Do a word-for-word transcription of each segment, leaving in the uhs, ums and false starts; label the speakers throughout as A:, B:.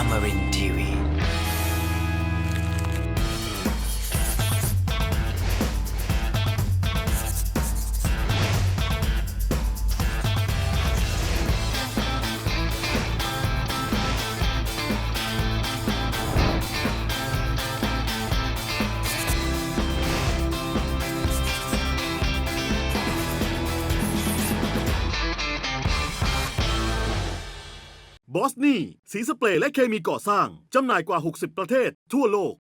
A: Amarin Tiwi.
B: บอสนี่สีสเปรย์และเคมีก่อสร้างจำหน่ายกว่าหกสิบประเทศทั่วโลก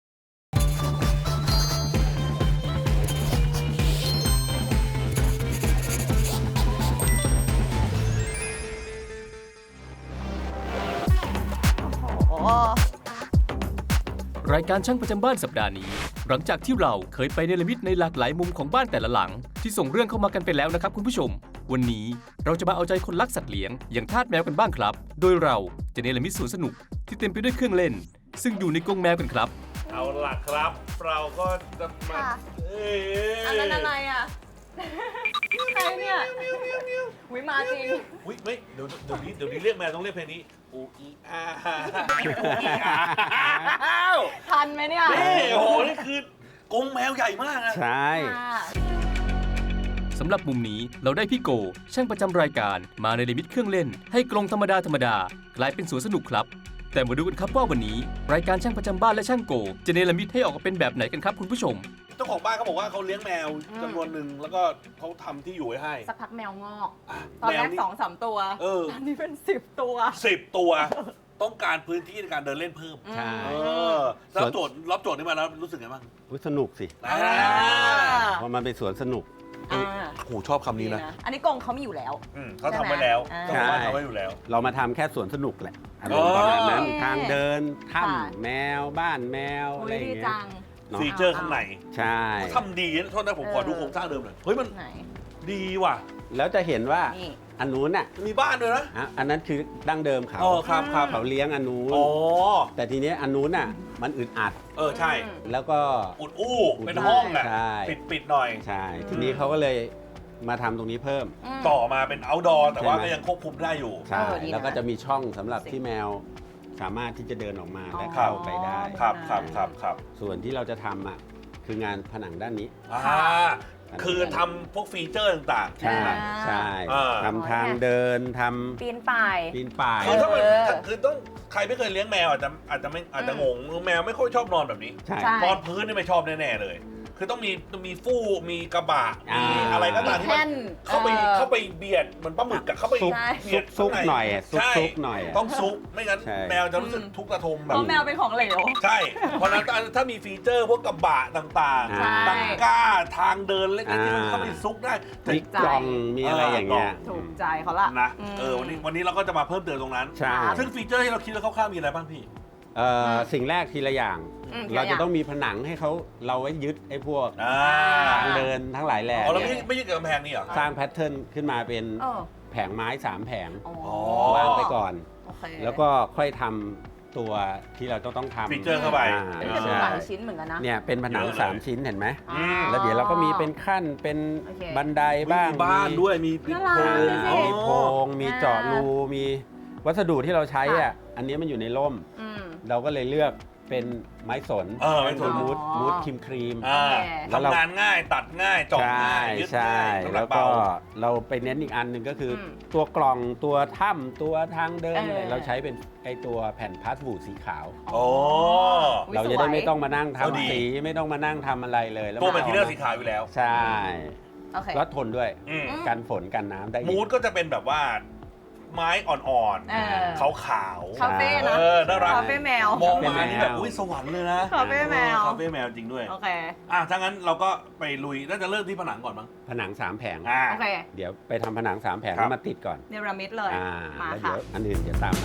C: รายการช่างประจำบ้านสัปดาห์นี้หลังจากที่เราเคยไปเนรมิตในหลากหลายมุมของบ้านแต่ละหลังที่ส่งเรื่องเข้ามากันไปแล้วนะครับคุณผู้ชมวันนี้เราจะมาเอาใจคนรักสัตว์เลี้ยงอย่างทาสแมวกันบ้างครับโดยเราจะเนรมิตสวนสนุกที่เต็มไปด้วยเครื่องเล่นซึ่งอยู่ในกรงแมวกันครับ
D: เอาล่ะครับเราก็จะมา
E: ค่ะ
D: เอ้ย
E: อันนั้นอะไรอ่ะใครเนี่ยวิมาจริง
D: อุ๊ยไม่เดี๋ยวเดี๋ยวนี้เดี๋ยวนี้เรียกแมวต้องเรียกเพลงนี้อูอีอาอูอีอา
E: ทันไหมเนี่ย
D: นี่โอ้โหนี่คือกรงแมวใหญ่มากนะ
F: ใช่
E: ค่ะ
C: สำหรับมุมนี้เราได้พี่โกช่างประจำรายการมาในลิมิตเครื่องเล่นให้กรงธรรมดาธรรมดากลายเป็นสวนสนุกครับแต่มาดูกันครับว่าวันนี้รายการช่างประจำบ้านและช่างโกจะเนรมิตให้ออกมาเป็นแบบไหนกันครับคุณผู้ชม
D: เจ้าของบ้านเขาบอกว่าเขาเลี้ยงแมวจำนวนหนึ่งแล้วก็เขาทำที่อยู่ไว้ให้
E: สักพักแมวงอก
D: อ่ะ
E: ตอนแรก
D: มว
E: สองสามตัว
D: เออ
E: ตอนนี้เป็นสิบตัว
D: สิบตัวต้องการพื้นที่ในการเดินเล่นเพิ่ม
F: ใช่
D: เออรับโจทย์รับโจทย์นี้มาแล้วรู้สึกไงบ้าง
F: อุ๊ยสนุกสิ
D: อ่า
F: เพราะมันเป็นสวนสนุก
E: อ่า
D: โอ้โหชอบคำนี้นะ
E: อันนี้กรงเขามีอยู่แล้ว
D: อืมเขาทำไว้แล้ว
E: ใช่
D: เจ้า
E: ไหม
D: ของบ้านทำไว้อยู่แล้ว
F: เรามาทำแค่สวนสนุกแหละอารมณ์ประมาณนั้น
E: โอเค
F: ทางเดิน
E: ค่ะ
F: ถ้ำแมวบ้านแมว
E: โอ้
F: อะไร
E: ย
F: อย่าง
E: ดี
F: เงี้ย
E: จัง
F: เนาะ
D: ฟีเจอร์ข้างใน
F: ใช่
D: เขาทำดีนะโทษนะผมขอดูโครงสร้างเดิมหน่อยเฮ้ยมัน
E: ไหน
D: ดีว่ะ
F: แล้วจะเห็นว่า
E: นี่
F: อันนู้นน่ะ
D: มีบ้านด้วยนะ
F: อ่ะอันนั้นคือดั้งเดิมเขา
D: อ๋อครับครับ
F: เขาเลี้ยงอันนู้น
D: อ๋อ
F: แต่ทีเนี้ยอันนู้นน่ะมันอึดอัด
D: เออใช่
E: อืม
F: แล้วก็
D: อุดอู้เป็นห้องอ่ะ
F: ใช่
D: ปิดปิดหน่อย
F: ใช่ทีนี้เขาก็เลยมาทำตรงนี้เพิ่ม
E: ม
D: ต่อมาเป็น outdoor แต่ว่า
F: ใช่ไหม
D: ก็ยังควบคุมได้อยู่
F: ใช่
E: เออดีนะ
F: แล้วก็จะมีช่องสำหรับที่แมวสามารถที่จะเดินออกมาและ
D: ครั
F: เข้า
D: บ
F: ไปได้
D: ครับครับครับครับ
F: ส่วนที่เราจะทำอ่ะคืองานผนังด้านนี้
D: อ่าคือทำพวกฟีเจอร์ต่าง
F: ใช่
E: อ่า
F: ใช่
D: อ่า
F: ทำทางเดินท
E: ปีนป่าย
F: ำปีนป่าย
D: ๆคือถ้ามัน
E: เออ
D: คือต้องใครไม่เคยเลี้ยงแมวอาจจะอาจจะไม่อาจจะงงแมวไม่ค่อยชอบนอนแบบนี้
F: ใช่
E: ใช่
D: นอนพื้นนี่ไม่ชอบแน่ๆเลย คือต้องมีมีฟูกมีกระบะ
F: อ่ามี
D: มีอะไรก็ตามที่มัน
E: แท่น
D: เข้าไป
E: เออ
D: เข้าไปเบียดเหมือนปลาหมึกอะเข้าไป
F: ซุก
E: ใช่
D: เบียด
F: ซุก
D: ข้างใ
F: หน่อยอะซุก
D: ใช่
F: ซุกหน่อยอะ
D: ต้องซุกไม่งั้น
F: ใช่
D: แมวจะรู้สึกทุกข์ระทมแบ
E: เพ
D: บ
E: ราะแมวเป็นของเหลว
D: ใช่ เพราะฉะนั้นถ้ามีฟีเจอร์พวกกระบะต่าง
F: ใช่
D: ๆตังก้าทางเดินเล็กๆที่มัน
F: อ่า
D: เข้าไปซุกได้แต่
F: มีกล่องมีอะไรอย่างเงี้ย
E: ถูกใจเขาละ
D: นะ
E: ม
D: เออวันนี้วันนี้เราก็จะมาเพิ่มเติมตรงนั้น
F: ใช่
D: ซึ่งฟีเจอร์ที่เราคิดแล้วคร่าวๆมีอะไรบ้างพี่
F: เอ่อสิ่งแรกทีละอย่าง
E: อืม
F: เรา
E: ทีละอ
F: จะ
E: ย่าง
F: ต้องมีผนังให้เขาเราไว้ยึดไอ้พวก
D: อ่า
F: ทางเดินทั้งหลายแหล่
D: อ๋อเราไม่
F: เนี่ย
D: ไม่ยึดกับกำแพงนี่เหรอ
F: สร้างแพทเทิร์นขึ้นมาเป็น
E: เออ
F: แผงไม้สามแผง
E: อ๋อ
F: วางไปก่อน
E: โอเค
F: แล้วก็ค่อยทำตัวที่เราต้องต้องทำ
D: ฟีเจอร์เข้าไป
F: อ่า
E: เป็นกระดูก
F: ใช่
E: หลายชิ้นเหมือนกันนะ
F: เนี่ยเป็นผนัง
D: เยอะเลย
F: สามชิ้นเห็นไหม
E: อ๋อ
F: แล้วเดี๋ยวเราก็มีเป็นขั้นเป็น
E: โอเค
F: บันไดบ้าง
D: มีบ้านด้วยมี
E: น่ารัก
F: อ่า
E: ดูสิ
F: มีโพรงมีเจาะรูมีวัสดุที่เราใช้อ่ะอันนี้มันอยู่ในร่ม
E: อืม
F: เราก็เลยเลือกเป็นไม้สน
D: เออไม้สน
F: มูด
E: อ๋อ
F: มูดครีมครีม
D: อ่า
F: แล้วเรา
D: ทำงานง่ายตัดง่ายเจาะ
F: ใช่
D: ง่ายยึด
F: ใช่
D: ง่ายน้ำหนั
F: แล้
D: ก
F: วก็
D: เบา
F: เราไปเน้นอีกอันหนึ่งก็คืออ
E: ม
F: ตัวกล่องตัวถ้ำตัวทางเดิน
E: เออ
F: อะไรเราใช้เป็นไอตัวแผ่นพลาสบูสีขาว
D: โอ้
E: อุ๊ย
F: เราจะได้
E: สวย
F: ไม่ต้องมานั่ง
D: เอาดี
F: ทำสีไม่ต้องมานั่งทำอะไรเลยแล้ว
D: ตัวแม
F: มา
D: ททีเรียลสีขาวอยู่แล้ว
F: ใช่
E: โอเค
F: แล้วทนด้วย
D: อืม
F: กันฝนกันน้ำได้อีก
D: มูดก็จะเป็นแบบว่า ไม้อ่อน
E: เออ
D: ๆขาวขาวๆ
E: คาเฟ่นะ
D: เออน่ารัก
E: คาเฟ่แมว
D: มองมานี่แบบอุ้ยสวรรค์เลยนะ
E: คาเฟ่แมว
D: เออคาเฟ่แมวจริงด้วย
E: โอเค
D: อ่ะถ้างั้นเราก็ไปลุยน่าจะเริ่มที่ผนังก่อนมั้ง
F: ผนังสามแผง
D: อ่า
E: โอเค
F: เดี๋ยวไปทำผนังสามแผง
D: ครับ
F: แล้วมาติดก่อน
E: เนรมิตเลย
F: อ่า
E: มา
F: แล้ว
E: ค่ะ
F: เดี๋ยวอันอื่นเดี๋ยวตามมา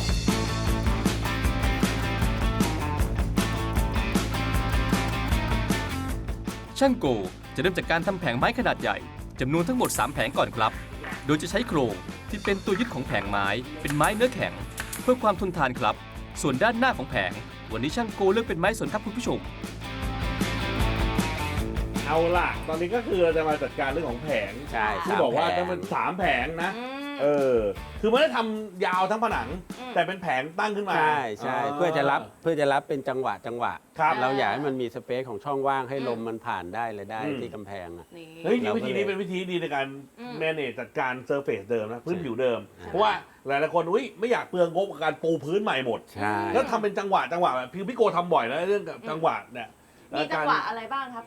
C: ช่างโกจะเริ่มจากการทำแผงไม้ขนาดใหญ่จำนวนทั้งหมดสามแผงก่อนครับ โดยจะใช้โครงที่เป็นตัวยึดของแผงไม้เป็นไม้เนื้อแข็ง เพื่อความทนทานครับ ส่วนด้านหน้าของแผง วันนี้ช่างโกเลือกเป็นไม้สนครับคุณผู้ชม
D: เอาล่ะ ตอนนี้ก็คือเราจะมาจัดการเรื่องของแผง
F: ใช่
D: ที่บอกว่า
F: สมแผ
D: จะ
F: ง
D: เป็นสามแผงนะ
E: อืม
D: เออคือไม่ได้ทำยาวทั้งผนัง
E: อืม
D: แต่เป็นแผงตั้งขึ้นมา
F: ใช่ใช่เพื่อจะรับเพื่อจะรับเป็นจังหวะจังหวะ
D: ครับ
F: เราอยากให้มันมีสเปซของช่องว่างให้ลมมันผ่านได้เลยได้
D: อืม
F: ที่กำแพงอะ
E: นี่
D: เฮ้ยนี่
F: เราก็
D: วิธีนี้เป็นวิธีดีในการ
E: อืม
D: manage จัดการเซอร์เฟซเดิมนะพื้น
F: ใช่
D: ผิวเดิม
F: ใช่
D: เพราะว่าหลายๆคนอุ้ยไม่อยากเปลืองงบกับการปูพื้นใหม่หมด
F: ใช่
D: แล้วทำเป็นจังหวะจังหวะแบบพี่พี่โกทำบ่อยนะเรื่องกับจังหวะเนี่ย
E: มีจังหวะอะไรบ้างครับ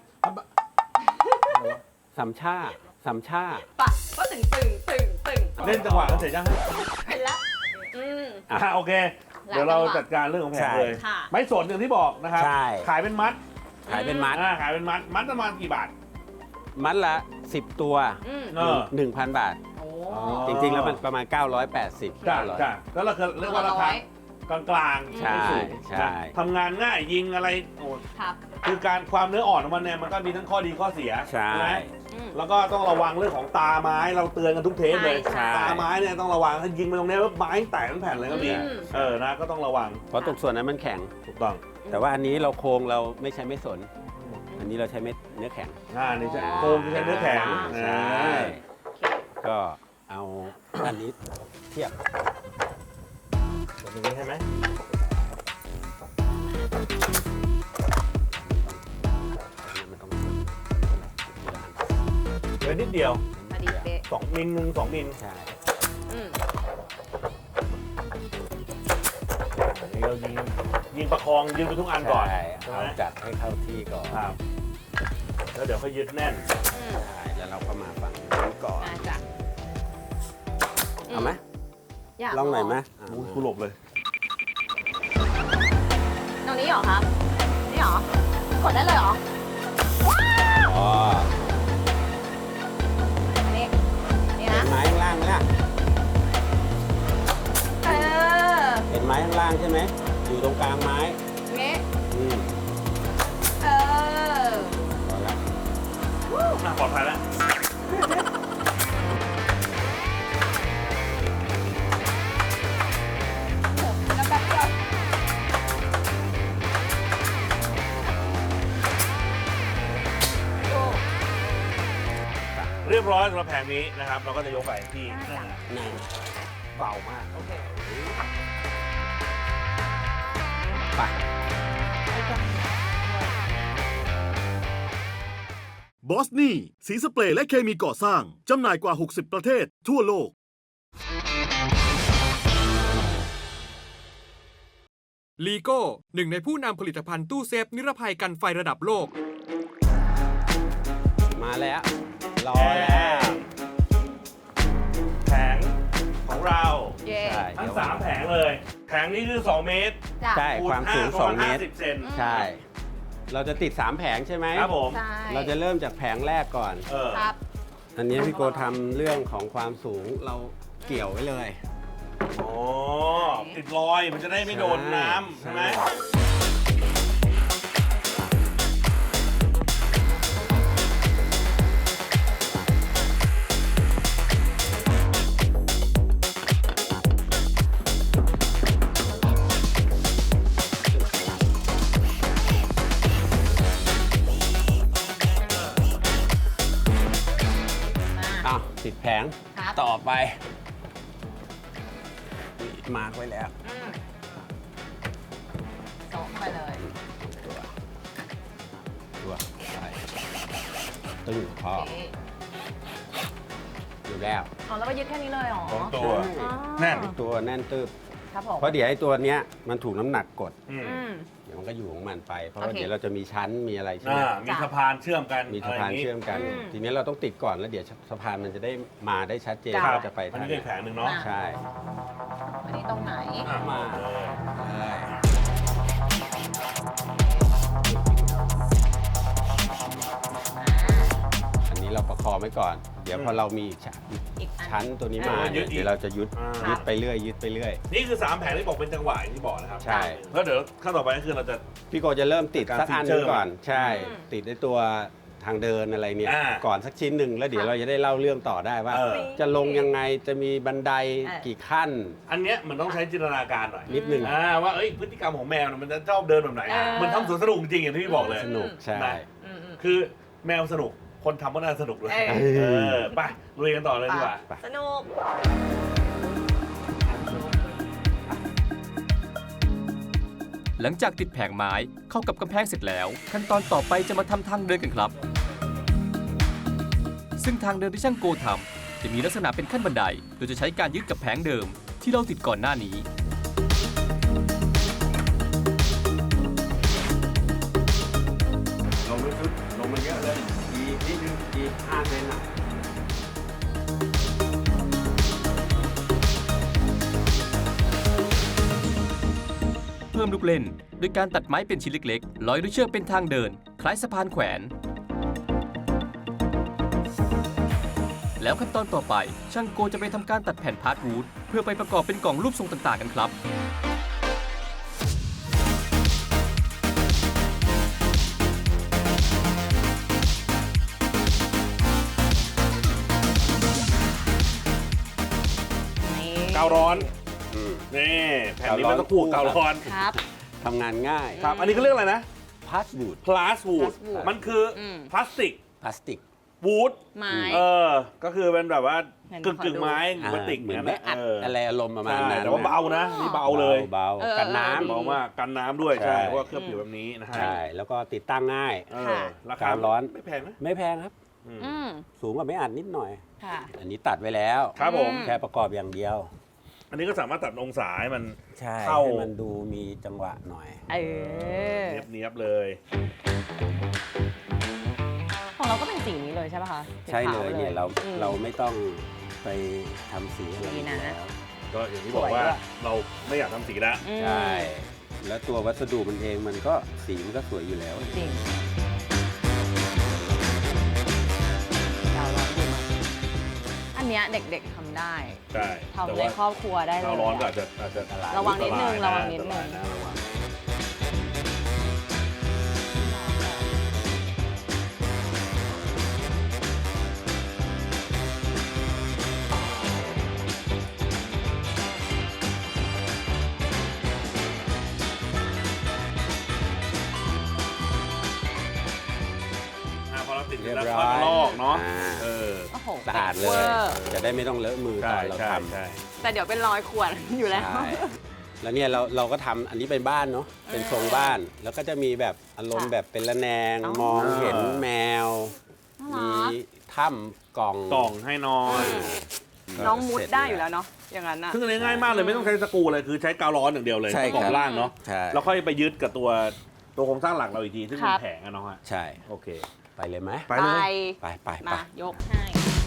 F: สามชาสามชา
E: ปะก็ตึงตึงตึงตึง
D: เล่นจังหวะกันเสร็จยัง
E: เป็นละอืม
D: อ่ะโอเค
E: หลาย
D: เดี๋ยวเรา
E: จังหวะ
D: จัดการเรื่องของแผง
F: ใช่
D: เลย
E: ค่ะ
D: ไม้สนอย่างที่บอกนะครับ
F: ใช่
D: ขายเป็นมัด
F: ขายเป็นมัด
D: อ่าขายเป็นมัดมัดประมาณกี่บาท
F: มัดละสิบตัว
E: อืม
D: เออ
F: หนึ่งพันบาท
E: โอ้
D: อ๋อ
F: จริงๆ แล้วมันประมาณ เก้าร้อยแปดสิบ
D: จ้า
F: เก้าร้อย
D: จ้าแล้วเราเรียกว่าราคา
E: ร้อย
D: กลางๆ
F: ใช่
D: ไม่สูง
F: ใช่
D: นะทำงานง่ายยิงอะไรโอ้
E: ครับ
D: คือการความเนื้ออ่อนของมันเนี่ยมันก็มีทั้งข้อดีข้อเสีย
F: ใช่
D: ไหม
E: อืม
D: แล้วก็ต้องระวังเรื่องของตาไม้เราเตือนกันทุกเทปเลย
E: ใช่
D: ตาไม้เนี่ยต้องระวังถ้ายิงไปตรงเนี้ยว่าไม้แตกทั้งแผ่นเลยก็มี
E: อืม
D: เออนะก็ต้องระวัง
F: เพราะตรงส่วนนั้นมันแข็ง
D: ถูกต้อง
F: แต่ว่าอันนี้เราโครงเราไม่ใช้ไม่สน อันนี้เราใช้เม็ดเนื้อแข็ง
D: อ่านี่จะโครงจะใช้เนื้อแข็ง
F: ใช่
D: อ่า
F: ก็เอาอันนี้เทียบ
D: แบบนี้ใช่ไหมเหลือนิดเดียว
E: พอดีเป๊ะ
D: สองมิลหนึ่งสองมิล
F: ใช่
E: อืม
D: นี่เรายิงยิงประคองยืนไปทุกอันก่อน
F: ใช่
D: ใช่
F: เอา
D: ไหม
F: จัดให้เข้าที่ก่อน
D: ครับแล้วเดี๋ยวค่อยยึดแน่น
E: อืม
F: ใช่แล้วเราก็มาฝั่งนี้ก่อน
E: อ่าจ้ะ
F: เอาไหม
E: อยาก
F: ลองหน่อยไหมอ่ะ
D: มูกูหลบเลย
E: ตรงนี้เหรอครับ นี่เหรอ กดได้เลยเหรอ
F: อ๋อ
E: อันนี้ นี่
F: เห็
E: นะ
F: นไม้ข้างล่างไหมล่ะ
E: เออ
F: เห็นไม้ข้างล่างใช่ไหมอยู่ตรงกลางไม้
E: นี่
F: อืม
E: เออ
F: พอละ
D: อ่ะปลอดภัยแล้ว
E: แล้วแป๊บเดียว โอ้
D: เรียบร้อยสำหรับแผงนี้นะครับ เราก็จะยกไปที่
E: น่าจะ
F: นั่ง
D: เบามาก
E: โอเค
F: ไป
B: บอสนี่สีสเปรย์และเคมีก่อสร้าง จำหน่ายกว่า หกสิบ ประเทศทั่วโลก
A: ลีโก้หนึ่งในผู้นำผลิตภัณฑ์ตู้เซฟนิรภัยกันไฟระดับโลก
F: มาแล้ว รอแล้ว
D: แผงของเรา
E: เย่
F: ใช่
D: ทั้ง
F: เดี๋ยว
D: สามแผงเลย แผงนี้คือสองเมตร
E: จ้ะ
F: ใช่
D: คูณ
F: ความสูง
D: ห้
F: สอง
D: ประาณ
F: เมตร
D: ห้าสิบเซน
F: ใช่ เราจะติดสามแผงใช่ไหม
D: ครับผม
E: ใช่
F: เราจะเริ่มจากแผงแรกก่อน
D: เออ
E: ครับ
F: อันนี้พี่โกทำเรื่องของความสูงเราเกี่ยวไว้เลย
D: อ๋อติดรอยมันจะได้ไม่โดนน้ำใช่ไหม
F: อ้าวติดแผง
E: ครับ
F: ต่อไปมาร์กไว้แล้ว
E: อืมโต๊ะเข้าไปเลย
F: ตัวตัวใส่ตึงพอ
E: โอเค
F: อยู่แล้ว
E: อ๋อแล้วก็ยึดแค่นี้เลยเหรอ
D: ตรงตัว
F: ใช่
E: อ๋อ
D: แน่น
F: ตัวแน่นตึบ
E: ครับผม
F: เพราะเดี๋ยวไอ้ตัวเนี้ยมันถูกน้ำหนักกด
D: อืม
E: อืม
F: เดี๋ยวมันก็อยู่ของมันไป เพราะ
E: โอ
F: ว่า
E: เค
F: เดี๋ยวเราจะมีชั้นมีอะไรใช่ไหม
D: อ่ามีสะพานเชื่อมกัน
F: มีสะพาน
D: ไรย่งงี้
F: เชื่อมกัน
E: อืม
F: ทีนี้เราต้องติดก่อนแล้วเดี๋ยวสะพานมันจะได้มาได้ชัดเจน
E: ครับ
F: ว่าจะไป
D: อัน
F: ทาง
D: นี้
F: ไห
D: เป็นแผงหนึ่งเนาะ
F: ใช่
E: อันนี้ตรงไหน
D: อ่ะ
F: มา
D: เลย
F: เลย
E: อ่า
F: อันนี้เราประคองไว้ก่อน เดี๋ยวพอเรามีอีกชั้น
E: อีกอัน
F: ชั้นตัวนี้มา
E: อ่า
F: เนี่ยเดี๋ยวเราจะยึด
D: อ่า
F: ยึดไปเรื่อยยึดไปเรื่อย
D: นี่คือสามแผงที่บอกเป็นจังหวะอย่างที่บอกนะครับ
F: ใช่
D: แล้วเดี๋ยวขั้นต่อไปก็คือเราจะ
F: พี่โกจะเริ่มติด
D: การ
F: สักอันห
D: ฟีเจอ
F: นึ
D: ร์
F: งก่อน
D: มัน
F: ใช่
E: อืม
F: ติดในตัวทางเดินอะไรเนี่ย
D: อ่า
F: ก่อนสักชิ้นหนึ่งแล้วเดี๋ยวเราจะได้เล่าเรื่องต่อได้ว่า
D: เออ
F: จะลงยังไงจะมีบันได
E: เออ
F: กี่ขั้น
D: อันเนี้ยมันต้องใช้จินตนาการหน่อย
F: นิดหนึ่ง
D: อ่าว่าเอ้ยพฤติกรรมของแมวเนี่ยมันจะชอบเดินแบบไหน
E: เออ
D: มันทำสวนสนุกจริงอย่างที่พี่บอกเลย
F: สนุกใช่
D: นะ
E: อืมอืม
D: คือแมวสนุกคนทำก็น่าสนุกเลย
E: เออ
D: เออไปลุยกันต่อเลยดีกว่า
E: สนุก
C: หลังจากติดแผงไม้เข้ากับกำแพงเสร็จแล้ว ขั้นตอนต่อไปจะมาทำทางเดินกันครับ ซึ่งทางเดินที่ช่างโกทำจะมีลักษณะเป็นขั้นบันไดโดยจะใช้การยึดกับแผงเดิมที่เราติดก่อนหน้านี้
F: ลงไปสุดลงมาเยอะเลยอีกนิดนึงอีกห้าเซนอ่ะ
C: เพิ่มลูกเล่นโดยการตัดไม้เป็นชิ้นเล็กๆร้อยด้วยเชือกเป็นทางเดิน คล้ายสะพานแขวน แล้วขั้นตอนต่อไป ช่างโกจะไปทำการตัดแผ่นพาร์ทวูดเพื่อไปประกอบเป็นกล่องรูปทรงต่างๆกันครับ
E: นี่
D: กาวร้อน
F: อืม
D: นี่แผ่นนี้มันต้องคู่กาวร้อน
E: ครับ
F: ทำงานง่าย
D: ครับ อันนี้เขาเรียกอะไรนะ
F: พาสบูด
D: พลาสวูด
E: plaswood
D: มันคืออ
E: ม
D: พลาสติก
F: พลาสติก
D: วูด
E: ไม้
D: เออ ก็คือเป็นแบบว่า
E: ไหน
D: กึ่ง
E: ขอดู
D: กึ่งไม้
F: อ่า
D: พลาสติก
F: เหมือน
D: นั่น
F: ไม่
D: แหละ
F: อัด
D: เออ
F: อะไรอารมณ์ประมาณ
D: ใช่
F: นั้น
D: แต่ว่าเบานะ นี่เบาเลย
F: เบา
E: เออ
F: ๆกันน้
E: เออ
D: เบามากกันน้ำด้วย
F: ใช่
D: ใช่เพราะว่าเคลือบผิวแบบนี้นะ
F: ำ
D: ฮะ
F: ใช่ แล้วก็ติดตั้งง่าย
D: เออ
E: ค่ะ
D: ราคาก
F: าวร้อน
D: ไม่แพงนะ
F: ไม่แพงครับ
D: อืม
E: อืม
F: สูงกว่าไม่อัดนิดหน่อย
E: ค่ะ
F: อันนี้ตัดไว้แล้ว
D: ครับผม
E: อืม
F: แค่ประกอบอย่างเดียว
D: อันนี้ก็สามารถตัดองศาให้มัน
F: ใช่
D: เข้า
F: ให้มันดูมีจังหวะหน่อย
E: เออ
D: เนียบเนียบๆเลย
E: ของเราก็เป็นสีนี้เลยใช่ป่ะคะสี
F: ใช่
E: ขา
F: เล
E: วย
F: เนี่ยเรา
E: อืม
F: เราไม่ต้องไปทำสีอะไร
E: ดีนะ
F: แล้ว
D: ก็อย่างที่บอกว่า
E: สวยด้วย
D: เราไม่อยากทำสีแล้ว
E: อืม
F: ใช่ แล้วตัววัสดุมันเองมันก็สีมันก็สวยอยู่แล้ว
E: จริงกาวร้อนดีมากอันเนี้ยเด็กๆทำได้
D: ใช่
E: ทำ
D: แต่
E: ใน
D: ว่า
E: ครอบครัวได้เลย
D: เราร้อนก็
E: อะ
D: อาจจะอาจจะ
E: ระวังนิดนึง
D: อัตาย
E: ระวังนิดนึง
D: อัตรายะระวัง อ่ะพอเราติด
F: เรียบ
D: แล้ว
F: ร้
D: ค่
F: อ
D: อย
F: ย
D: มาลอกเนาะ
F: อ่
D: เออ
E: โอ้โห
F: สะอาดเลย
E: วอร์
F: จะได้ไม่ต้องเลอะมือต
D: ใช่
F: อนเรา
D: ใช่
F: ทำ
D: ใช่
E: แต่เดี๋ยวเป็นรอยขวดอยู่แล้ว
F: ใช่แล้วเนี่ยเราเราก็ทำอันนี้เป็นบ้านเนาะเป็นทรงบ้าน แล้วก็จะมีแบบอารมณ์
E: ค่ะ
F: แบบเป็นระแนง
E: อ๋อ
F: มองเห็นแมว
E: น่า
F: มี
E: รัก
F: ถ้ำกล่อง
D: กล่องให้นอน
E: น้องมุดได้อยู่แล้วเนาะอย่างนั้นอะ
D: ซึ่งอันนี้ง่ายมากเลยไม่ต้องใช้สกรูเลยคือใช้กาวร้อนอย่างเดียวเลย
F: ใช่
D: ประกอ
F: ครับ บ
D: ล่างเนาะ
F: ใช่
D: แล้วค่อยไปยึดกับตัวตัวโครงสร้างหลักเราอีกทีซึ่งเป็
E: ครั
D: น
E: บ
D: แผงอะเนาะฮะ
F: ใช่
D: โอเค
F: ไปเลยไหม
D: ไปเลย
F: ไปไปไป
E: มายกให้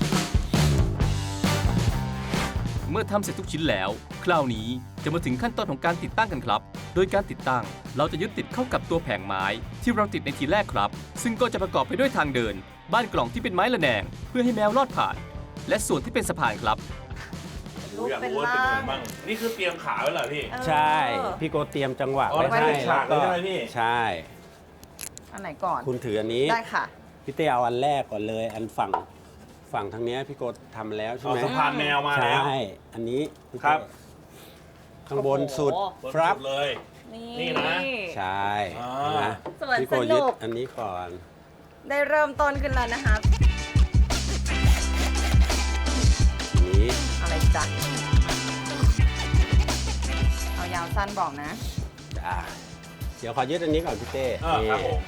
C: เมื่อทำเสร็จทุกชิ้นแล้ว คราวนี้จะมาถึงขั้นตอนของการติดตั้งกันครับ โดยการติดตั้งเราจะยึดติดเข้ากับตัวแผงไม้ที่เราติดในทีแรกครับ ซึ่งก็จะประกอบไปด้วยทางเดิน บ้านกล่องที่เป็นไม้ระแนง เพื่อให้แมวลอดผ่าน และส่วนที่เป็นสะพานครับ
E: รูป
D: อยาก
E: เป็น
D: รู้ว่า
E: ร่า
D: เป็นยัง
E: ง
D: ไงบ้างนี่คือเตรียมขาไว้เหรอพี่
E: เออ
F: ใช่ พี่โกเตรียมจังหวะ
D: อ๋อ
F: ไว้
D: แล้ว
F: ให้
D: ให้ฉาก
F: แล้วก็
D: เลยใช่ไหมพี่
F: ใช่
E: อันไหนก่อน
F: คุณถืออันนี้
E: ได้ค่ะ
F: พี่เต้เอาอันแรกก่อนเลย อันฝั่งฝั่งทางเนี้ยพี่โกทำแล้วใช่
D: เอา
F: ไหม
D: สะพานแมวมา
F: ใช่
D: แล้ว
F: อันนี้พี่
D: ครับ
F: เต้ข้างบนสุด
E: โอ้โห
D: บน
F: ครับ
D: สุดเลย
E: นี่
D: นี่นะ
F: ใช่
D: อ่า
F: เห็นไหม
E: สวน
F: พี่โก
E: ส
F: ยึ
E: นุ
F: ด
E: ก
F: อันนี้ก่อน
E: ได้เริ่มต้นขึ้นแล้วนะคะ
F: อันนี้
E: อะไรจ๊ะเอายาวสั้นบอกนะ
F: อ่าเดี๋ยวขอยึดอันนี้ก่อนพี่เต้
D: เออครับ
F: นี่
D: ผม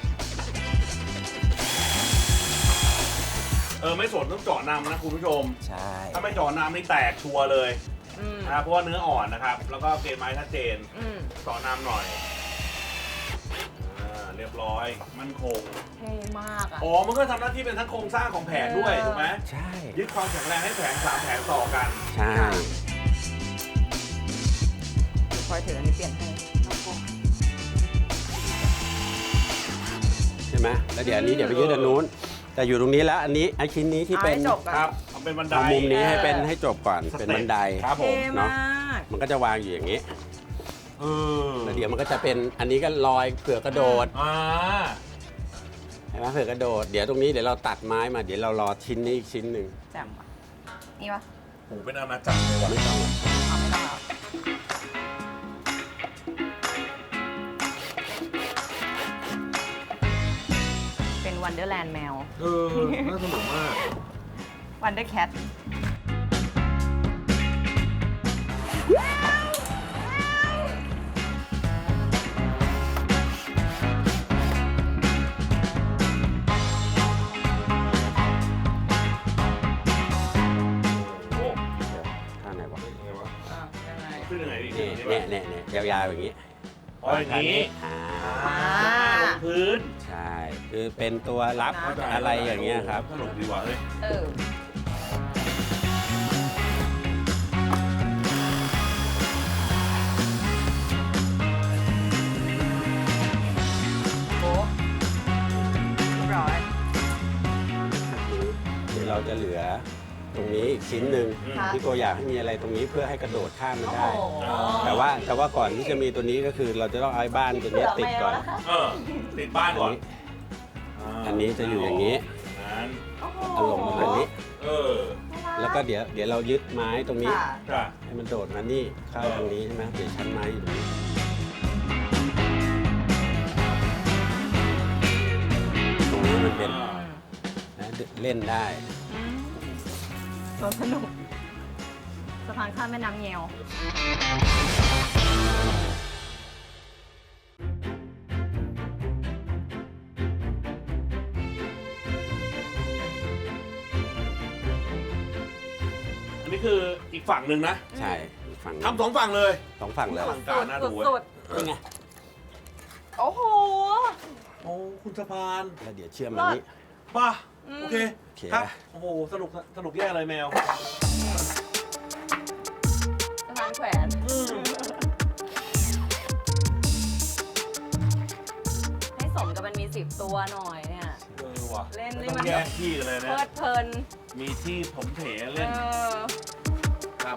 D: เออไม่สนต้องเจาะนำนะคุณผู้ชม
F: ใช่
D: ถ้าไม่เจาะนำนี่แตกชัวร์เลย
E: อืม
D: นะครับเพราะว่าเนื้ออ่อนนะครับ แล้วก็เกรดไม้ชัดเจน
E: อืม
D: เจาะนำหน่อยอ่าเรียบร้อยมั่นคง
E: เท่มากอ่ะ
D: อ๋อมันก็ทำหน้าที่เป็นทั้งโครงสร้างของแผงด้วย
E: เออ
D: ถูกไหม
F: ใช่
D: ยึดความแข็งแรงให้แผงสามแผงต่อกัน
F: ใช่
E: คอยถืออันนี้เปลี่ยนให้น้องโก
F: ใช่ไหมแล้วเดี๋ยวอันนี้เดี๋ยวไปยึดอันนู้นแต่อยู่ตรงนี้แล้วอันนี้ไอ้ชิ้นนี้ที่
E: เอา
F: เป็น
E: ให้จบก่อน
D: ครับเอาเป็นบันได
F: เอามุมนี้ให้เป็น
E: เออ
F: ให้จบก่อน
D: สเต็ป
F: เป็นบันได
D: ครับผม
E: เท่มาก
F: มันก็จะวางอยู่อย่างนี้
D: เออ
F: แล้วเดี๋ยวมันก็จะเป็นอันนี้ก็ลอยเผื่อกระโดด
D: อ่า
F: เห็นไหมเผื่อกระโดดเดี๋ยวตรงนี้เดี๋ยวเราตัดไม้มาเดี๋ยวเรารอชิ้นนี้อีกชิ้นหนึ่ง
E: แจ่มว่ะนี่ปะ
D: โหเป็นอาณาจักรเลยว่ะ
F: ไม่ต้องหรอก
E: เอาไม่ต้องแล้วเป็นวันเดอร์แลนด์แมว
D: เออ น่าสนุกมาก
E: วันเดอร์แคท
D: โอ้
F: ท่าไหนวะ
D: ยังไงวะ
E: อ่ะยังไง
D: ขึ้นยังไงดิ
F: นี่
D: ขึ้นยังไง
F: เนี่ยเนี่ยเนี่ยยาวๆอย่างนี้
D: อ๋ออย่างนี้
F: อ่า
E: อ่า
D: ลงพื้น
F: ใช่ คือเป็นตัวรับอะไรอย่างเงี้ยครับ
D: สนุกดีว่ะเฮ้ย
E: เออโอ้เรียบร้อย
F: เดี๋ยวเราจะเหลือตรงนี้อีกชิ้นหนึ่ง
E: ค่ะ
F: พี่โกอยากให้มีอะไรตรงนี้เพื่อให้กระโดดข้ามมัน
E: โอ้
F: ได้
E: โห
F: แต่ว่าแต่ว่าก่อนที่จะมีตัวนี้ก็คือเราจะต้องเอาไอ้บ้านตัวนี้ติดก่อน
D: เออ ติดบ้านก่อน
F: อันนี้จะอยู่อย่างนี้
D: นั้น
E: โอ้โห
F: อารมณ์แบบนี้
D: เออ
F: แล้วก็เดี๋ยวเดี๋ยวเรายึดไม้ตรงนี้
E: ค่ะ
D: จ้ะ
F: ให้มันโดดมานี่เข้าทางนี้ใช่ไหมเดี๋ยวชั้นไม้อยู่ตรงนี้ตรงนี้มันเป็น
D: อ่า
F: นะเล่นได้
E: อืมสวนสนุกสะพานข้ามแม่น้ำเงียว
D: อันนี้คืออีกฝั่งหนึ่งนะ
F: ใช่อีกฝั่ง
D: ทำสองฝั่งเลย
F: สองฝั่งเลย
D: อลังการน่าดูเว้ย
E: สุด
F: นี่ไง
E: ๆโอ้โห
D: โอ้ คุณสะพาน
F: แล้วเดี๋ยวเชื่อมมันนี้
D: ป่ะ
E: อืม
D: โอเค
F: โอเค
D: ครับ โอ้โห สนุก สนุกแย่เลยแมว
E: สะพานแขวน
D: อืม
E: ให้สมกับมันมีสิบตัวหน่อยเนี่ย
D: เออว่ะ
E: เล่น
D: ไม่
E: นี่
D: ต้อ
E: มัน
D: งแยกที่กันเลย
E: เพ
D: นะ
E: ลิดเพลิน
D: มีที่ผมเถ
E: เอ
D: เล่น
E: อ
D: ครับ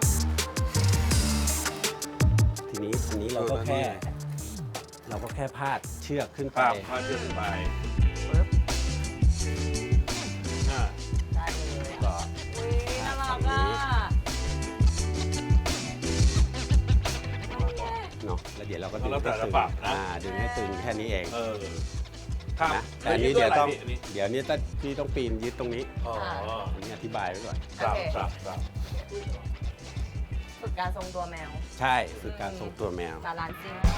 F: ทีนี้อันนี้เราก็แค่ เราก็แค่พาดเชือกขึ้น
D: ค
F: ไป
D: รับพาเชื่อขึ้นไป
E: ปึ๊บ
D: อ่า
E: ได้เลย
F: ก็
E: อุ้ยน่ารักอ่ะ
F: เนาะแล้วเดี๋ยวเราก็ดึง
D: แล้วแต่
F: ให้
D: จะ
F: ตึง
D: ปรับนะ
F: อ่าดึงให้ตึงแค่นี้เอง
D: เออ ครับ
F: นะแต่อันนี้เดี๋ยวต้อง
D: อันนี้
F: เดี๋ยวนี้ต้องพี่ต้องปีนยึดตรงนี้
D: อ๋อ
F: อันนี้อธิบายไว้ก่อน
D: ครับครับครับ
E: ฝึกการทรงตัวแมว
F: ใช่คือการทรงตัวแมว
E: บาลานซิ่ง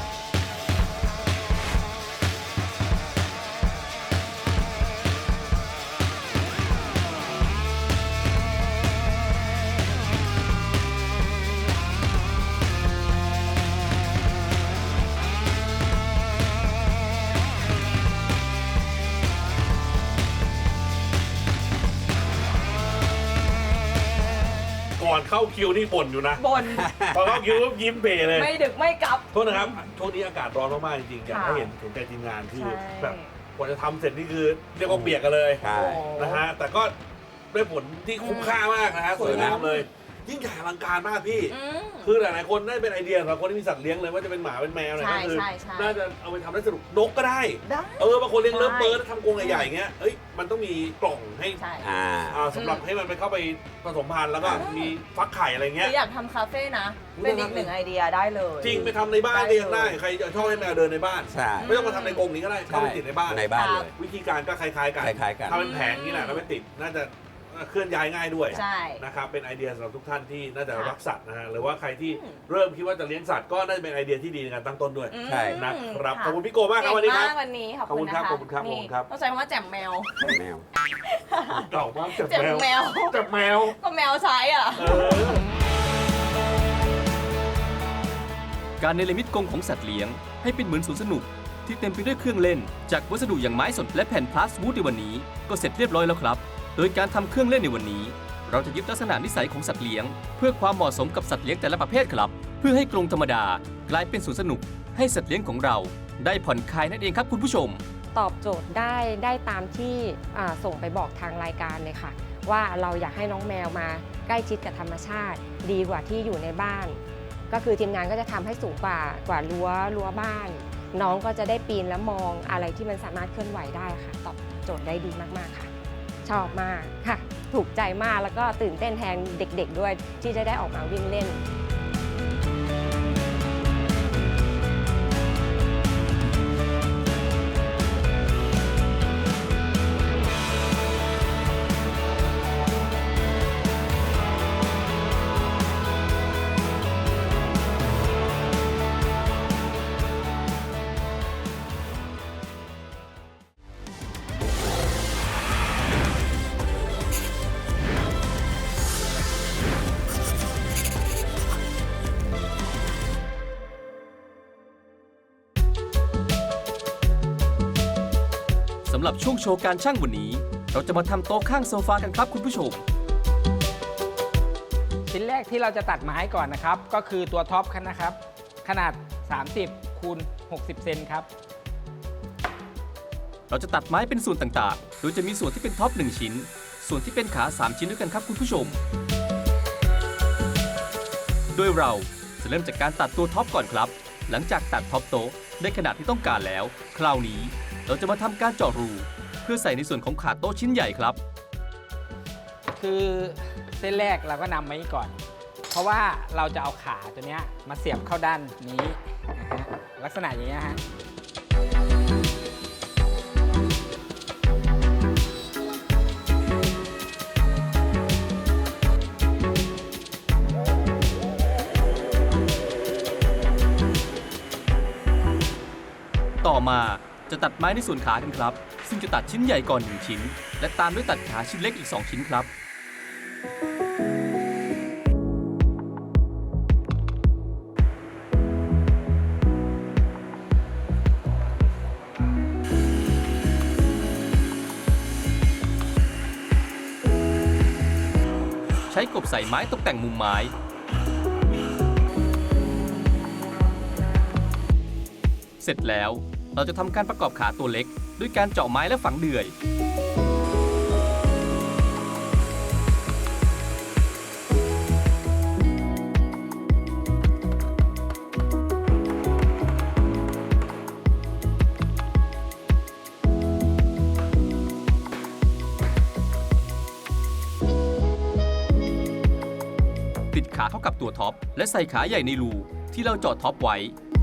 D: ก่อนเข้าคิวนี่บ่นอยู่นะ
E: บน
D: พอเข้าคิวปุ๊บยิ้มเบเลย
E: ไม่ดึกไม่กลับ
D: โทษนะครับ ช่วงนี้อากาศร้อนมากๆจริงๆอยากให้
E: ค่ะ
D: เห็นถึงใจทีมงานคือ
E: ใช่
D: แบบกว่าจะทำเสร็จนี่คือเรียกว่าเปียกกันเลย
F: ใช่
E: โอ้โห
D: นะฮะ แต่ก็ได้ผลที่คุ้มค่ามากนะฮะสวยงามเลย ยิ่งใหญ่อลังการมากพี่
E: อืม
D: คือหลายๆคนได้เป็นไอเดียสำหรับคนที่มีสัตว์เลี้ยงเลยว่าจะเป็นหมาเป็นแมวอะไร
E: ใช่
D: ก็คือ
E: ใช่ใช่
D: น่าจะเอาไปทำได้สนุกนกก็ได้
E: ได้
D: เออบางคนเลี้ยงเลิฟ
E: ใช่
D: เบิร์ดทำกรงใหญ่ๆอย่างเงี้ยเอ้ยมันต้องมีกล่องให้
E: ใช่
F: อ่า
D: อ่าสำหรับให้มันไปเข้าไปผสมพันธุ์แล้วก็
E: อ่ามี
D: มีฟักไข่อะไร
E: ห
D: เงี้
E: รื
D: ย
E: ออยากทำคาเฟ่นะ
D: อุ๊ย
E: เป็นอี
D: น่าก รัก
E: หนึ่งไอเดียได้เลย
D: จริงไปทำในบ้าน
E: ได้
D: ก็ยังได้
E: เลย
D: ใครชอบให้แมวเดินในบ้าน
F: ใช่
D: ไม่ต้องมาทำในกรงนี้ก็ได้เข้าไปติดในบ้าน
F: ในบ้านเลย
D: วิธีการก็คล้ายๆกัน
F: คล้ายๆกัน
D: ทำเป็นแผงนี่แหละแล้วไปติดน่าจะเคลื่อนย้ายง่ายด้วย
E: ใช่
D: นะครับเป็นไอเดียสำหรับทุกท่านที่น่าจะ
E: ค่ะ
D: รักสัตว์นะฮะหรือว่าใครที่
E: อืม
D: เริ่มคิดว่าจะเลี้ยงสัตว์ก็น่าจะเป็นไอเดียที่ดีในการตั้งต้นด้วย
E: อืม
F: ใช่
D: นะครับ
E: ะ
D: ขอบคุณพี่โกมากครับวันนี้ครับ
E: เก่งมากวันนี้ขอบคุณ
D: ขอบคุณครับ
E: นะคะ
D: ขอบคุณครับ
E: นี่
D: ขอบคุณครับ
E: ต้องใช้คำว่าแจ่มแมว
F: แมว
D: เก่ามากจับ
E: แจ่ม
D: แมว
E: แมว
D: จับแมว
E: ก็แมวใช้อ่ะ
D: เออ
C: การเนรมิตกรงของสัตว์เลี้ยงให้เป็นเหมือนสวนสนุก ที่เต็มไปด้วยเครื่องเล่น จากวัสดุอย่างไม้สดและแผ่นพลาสวูดในวันนี้ก็เสร็จเรียบร้อยแล้วครับ โดยการทำเครื่องเล่นในวันนี้ เราจะยึดลักษณะนิสัยของสัตว์เลี้ยง เพื่อความเหมาะสมกับสัตว์เลี้ยงแต่ละประเภทครับ เพื่อให้กรงธรรมดากลายเป็นสวนสนุก ให้สัตว์เลี้ยงของเรา ได้ผ่อนคลายนั่นเองครับคุณผู้ชม
G: ตอบโจทย์ได้ได้ตามที่อ่าส่งไปบอกทางรายการเลยค่ะ ว่าเราอยากให้น้องแมวมาใกล้ชิดกับธรรมชาติ ดีกว่าที่อยู่ในบ้าน ก็คือทีมงานก็จะทำให้สูงกว่ากว่ารั้วรั้วบ้าน น้องก็จะได้ปีนและมองอะไรที่มันสามารถเคลื่อนไหวได้ค่ะ ตอบโจทย์ได้ดีมากๆค่ะ ชอบมากค่ะ ถูกใจมากแล้วก็ตื่นเต้นแทนเด็กๆด้วยที่จะได้ออกมาวิ่งเล่น
C: สำหรับช่วงโชว์การช่างวันนี้ เราจะมาทำโต๊ะข้างโซฟากันครับคุณผู้ชม
H: ชิ้นแรกที่เราจะตัดไม้ก่อนนะครับ ก็คือตัวท็อปนะครับ ขนาด สามสิบคูณหกสิบ เซนครับ
C: เราจะตัดไม้เป็นส่วนต่างๆ โดยจะมีส่วนที่เป็นท็อปหนึ่งชิ้น ส่วนที่เป็นขาสามชิ้นด้วยกันครับคุณผู้ชม โดยเราจะเริ่มจากการตัดตัวท็อปก่อนครับ หลังจากตัดท็อปโต๊ะได้ขนาดที่ต้องการแล้ว คราวนี้เราจะมาทำการเจาะรู เพื่อใส่ในส่วนของขาโต๊ะชิ้นใหญ่ครับ
H: คือเส้นแรกเราก็นำไว้ก่อน เพราะว่าเราจะเอาขาตัวเนี้ยมาเสียบเข้าด้านนี้นะฮะลักษณะอย่างเงี้ยฮะ
C: ต่อมาจะตัดไม้ในส่วนขากันครับ ซึ่งจะตัดชิ้นใหญ่ก่อนหนึ่งชิ้น และตามด้วยตัดขาชิ้นเล็กอีกสองชิ้นครับ ใช้กบใส่ไม้ตกแต่งมุมไม้ เสร็จแล้วเราจะทำการประกอบขาตัวเล็ก ด้วยการเจาะไม้และฝังเดือย ติดขาเข้ากับตัวท็อป และใส่ขาใหญ่ในรูที่เราเจาะท็อปไว้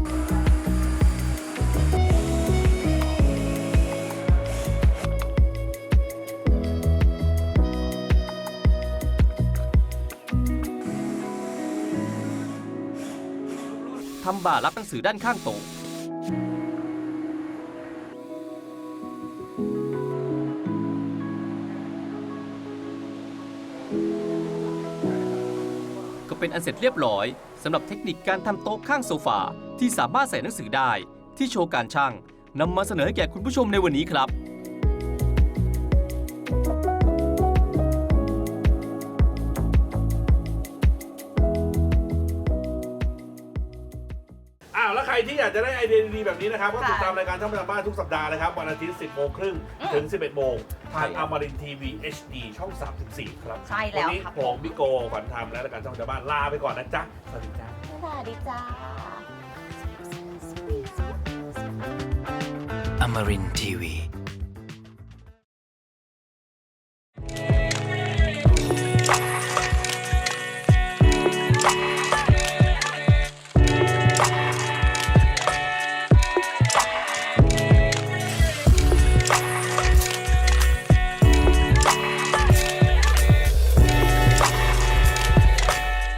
C: ทำบ่ารับหนังสือด้านข้างโต๊ะ ก็เป็นอันเสร็จเรียบร้อยสำหรับเทคนิคการทำโต๊ะข้างโซฟาที่สามารถใส่หนังสือได้ที่โชว์การช่างนำมาเสนอให้แก่คุณผู้ชมในวันนี้ครับ
D: อ้าวแล้วใครที่อยากจะได้ไอเดียดีๆแบบนี้นะครับก็ติดตามรายการช่องประจำบ้านทุกสัปดาห์นะครับวันอาทิตย์ สิบโมงครึ่งถึง สิบเอ็ดโมงทางอมรินทร์ทีวี เอช ดี ช่อง สามสิบสี่ ครับ
E: ใช่แล้ว
D: วันนี้
E: ครับ
D: ผมบิโกขวัญธรรมและรายการช่องประจำบ้านลาไปก่อนนะจ๊ะ สวัสดีจ้า
E: สวัสดีจ้า
I: Amarin Tiwi.